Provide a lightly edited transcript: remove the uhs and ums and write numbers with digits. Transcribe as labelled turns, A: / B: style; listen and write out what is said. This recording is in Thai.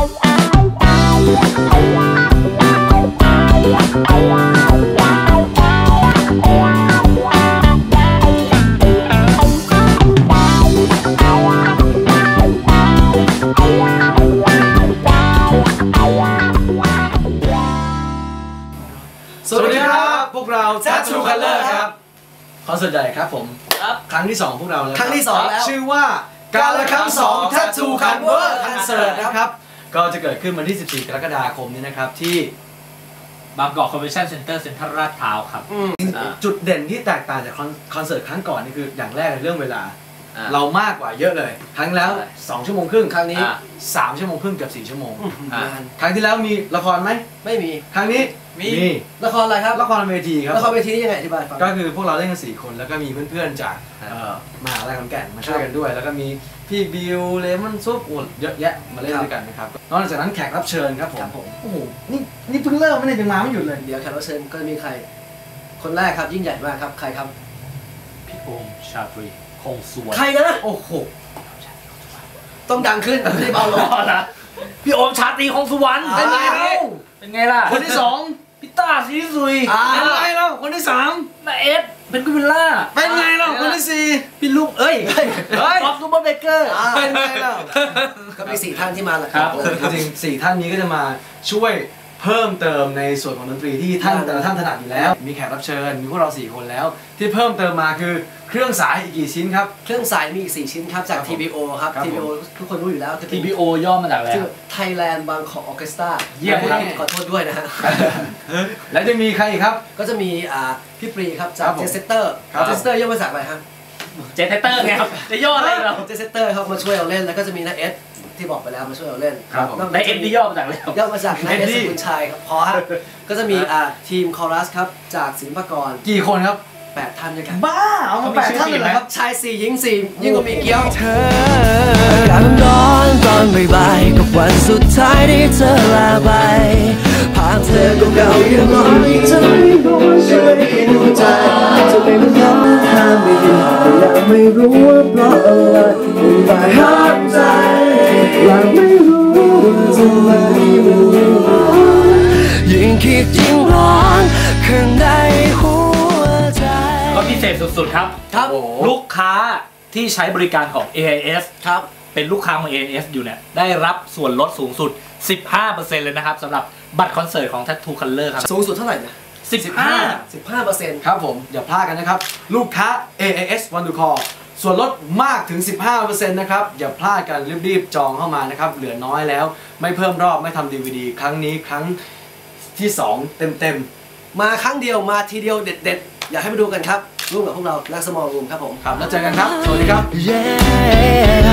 A: สวัสดีครับพวกเรา Tattoo Color ครับคอนเสิร์ตใหญ่ครับผมครั้งที่2พวกเราแล้วครั้งที่2แล้วชื่อว่าการละครั้ง2 Tattoo Color คอนเสิร์ตนะครับก็จะเกิดขึ้นวันที่14 กรกฎาคมนี้นะครับที่
B: บางกอกคอนเวนชั่นเซ็นเตอร์เซ็นทรัลลาดพร้าวครับ
A: จุดเด่นที่แตกต่างจากคอนเสิร์ตครั้งก่อนนี่คืออย่างแรกในเรื่องเวลาเรามากกว่าเยอะเลยครั้งแล้ว2 ชั่วโมงครึ่งครั้งนี้3 ชั่วโมงครึ่งกับ4 ชั่วโมงครั้งที่แล้วมีละครไหมไม่มีครั้งนี้มีละครอะไรครับละครเวทีครับละครเวทีนี่ยังไงอธิบายฟังก็คือพวกเราเล่นกัน4 คนแล้วก็มีเพื่อนๆจากมหาวิทยาลัยขอนแก่นมาช่วยกันด้วยแล้วก็มีพี่บิวเลมอนซุปเยอะแยะมาเล่นด้วยกันนะครับนอกจากนั้นแขกรับเชิญครับผมโอ้โหนี่เพิ่งเริ่มไม่ได้ยังมาไม่หยุดเลยเดี๋ยวแขกรับเชิญก็มีใครคนแรกครับยิ่งใหญ่มากครับใครครับ
B: พี่โอมชาตรีคงสุวรรณ
A: ใครนะโอ้โหต้องดังขึ้นไม่ได้เบาลง
B: นะพี่โอมชาตรีคงสุวรรณ
A: เป็นไง
B: เป็นไงล่ะ
A: คนที่2
B: พี่ต้าสีสุย
A: เป็นไงล่ะคนที่3
B: นาเอสเป็นกุมิล่า
A: เป็นไงล่ะคนที่4
B: พี่ลูกท็อปซูเปอร์เบเกอร์
A: เป็นไงล่ะก็มี4 ท่านที่มาแหละครับจริงๆ4 ท่านนี้ก็จะมาช่วยเพิ่มเติมในส่วนของดนตรีที่แต่ละท่านถนัดอยู่แล้วมีแขกรับเชิญมีพวกเรา4 คนแล้วที่เพิ่มเติมมาคือเครื่องสายอีกกี่ชิ้นครับเครื่องสายมีอีก4 ชิ้นครับจาก TBO ครับ TBO ทุกคนรู้อยู่แล้ว
B: TBO ย่อมาจากอะไร
A: Thailand Bangkok Orchestra
B: เยี่ยมครับ
A: ขอโทษด้วยนะฮะแล้วจะมีใครอีกครับก็จะมีพี่ปรีครับจากเจสเตอร์ย่อมาจากอะไรครับ
B: เจสเตอร์ไงครับจะย่ออะไรเรา
A: เจสเตอร์เขามาช่วยเราเล่นแล้วก็จะมีนาเอสที่บอกไปแล้วมาช่วยเราเล่น
B: ในเอ็นที่ย่อมาจากอะไร
A: ย่อมาจากนายเอสคุณชัยครับพอฮะก็จะมีทีมคอรัสครับจากศิลปากรกี่คนครับ8 ท่านด้วยกันบ้าเอามา8 ท่านเลยเหรอครับชาย4 หญิง4ยิ่งกว่ามีเกี้ยว
C: เธอการร้อนตอนบ่ายๆกับวันสุดท้ายที่เธอลาไปผ่านเธอเก่าๆยังรอที่เธอไม่รู้ช่วยให้ดูใจจะไม่รู้ย้ำห้ามไม่อยู่แต่ยังไม่รู้ว่าเพราะอะไรแต่ห้ามใจยังไม่รู้ว่าทำไมยิ่งคิดยิ่งร้อนข้างในหัวใจ
B: ก็พิเศษสุดๆครับลูกค้าที่ใช้บริการของ AIS ครับเป็นลูกค้าของ AIS อยู่เนี่ยได้รับส่วนลดสูงสุด 15% เลยนะครับสำหรับบัตรคอนเสิร์ตของ Tattoo Color ครับ
A: สูงสุดเท่าไหร่นะ15%ครับผมอย่าพลาดกันนะครับลูกค้า AIS Want to Call ส่วนลดมากถึง 15% นะครับอย่าพลาดกันรีบๆจองเข้ามานะครับเหลือน้อยแล้วไม่เพิ่มรอบไม่ทำ DVD ครั้งนี้ครั้งที่2เต็มๆมาครั้งเดียวมาทีเดียวเด็ดๆอยากให้มาดูกันครับร่วมกับพวกเรานักสมอลรูมครับผมครับแล้วเจอกันครับสวัสดีครับ